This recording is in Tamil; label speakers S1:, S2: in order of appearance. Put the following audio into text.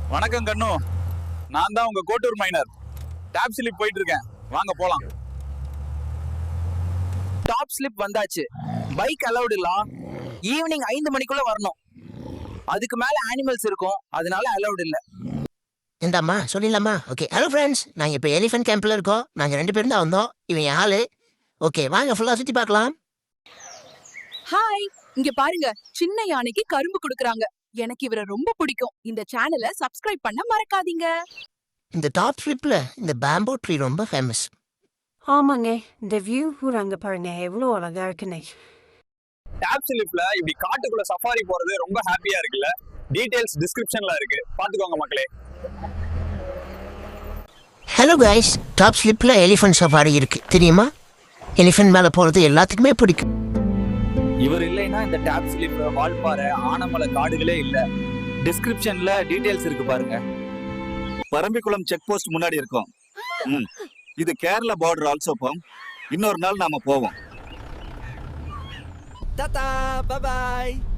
S1: வணக்கம் கண்ணு. நான் தான் உங்க கோட்டூர் மைனர். டாப் ஸ்லிப் போயிட்டு இருக்கேன், வாங்க போலாம்.
S2: டாப் ஸ்லிப் வந்தாச்சு. பைக் அலௌட் இல்ல. ஈவினிங் 5 மணிக்குள்ள வரணும். அதுக்கு மேல அனிமல்ஸ் இருக்கும், அதனால அலௌட் இல்ல.
S3: இந்தாம்மா சொல்லிடலாமா? ஓகே. ஹலோ ஃப்ரெண்ட்ஸ், நாங்கள் இப்போ எலிஃபென்ட் கேம்பில் இருக்கோம். நாங்கள் 2 பேரும் தான் வந்தோம். இவன் என் ஆளு. ஓகே, வாங்க ஃபுல்லாக சுற்றி பார்க்கலாம்.
S4: ஹாய், இங்க பாருங்க, சின்ன யானைக்கு கரும்பு குடுக்குறாங்க. எனக்கு இவரை ரொம்ப பிடிக்கும். இந்த சேனலை சப்ஸ்கிரைப் பண்ண மறக்காதீங்க.
S3: இந்த டாப் ஸ்லிப்பில் இந்த பேம்போ ட்ரீ ரொம்ப ஃபேமஸ்.
S5: ஆமாங்க, இந்த வியூ கூட அங்க பாருங்க, எவ்வளோ அழகா இருக்குன்னு.
S1: டாப் ஸ்லிப்ல இப்படி காட்டுக்குள்ள சஃபாரி போறது ரொம்ப ஹாப்பியா இருக்குல்ல. டீடைல்ஸ் டிஸ்கிரிப்ஷன்ல இருக்கு, பாத்துக்கோங்க மக்களே.
S3: ஹலோ கைஸ், டாப் ஸ்லிப்பில் எலிஃபென்ட் சஃபாரி இருக்கு, தெரியுமா? எலிஃபென்ட் மேலே போகிறது எல்லாத்துக்குமே பிடிக்கும்.
S2: இவர் இல்லைன்னா இந்த டாப் ஸ்லிப், வால்பாறை, ஆனமலை காடுகளே இல்ல. டிஸ்கிரிப்ஷன்ல டீடைல்ஸ் இருக்கு பாருங்க.
S6: பரம்பிக்குளம் செக் போஸ்ட் முன்னாடி இருக்கோம். இது கேரளா பார்டர் ஆல்சோ போம். இன்னொரு நாள் நாம போவோம்.
S2: Tata, bye by.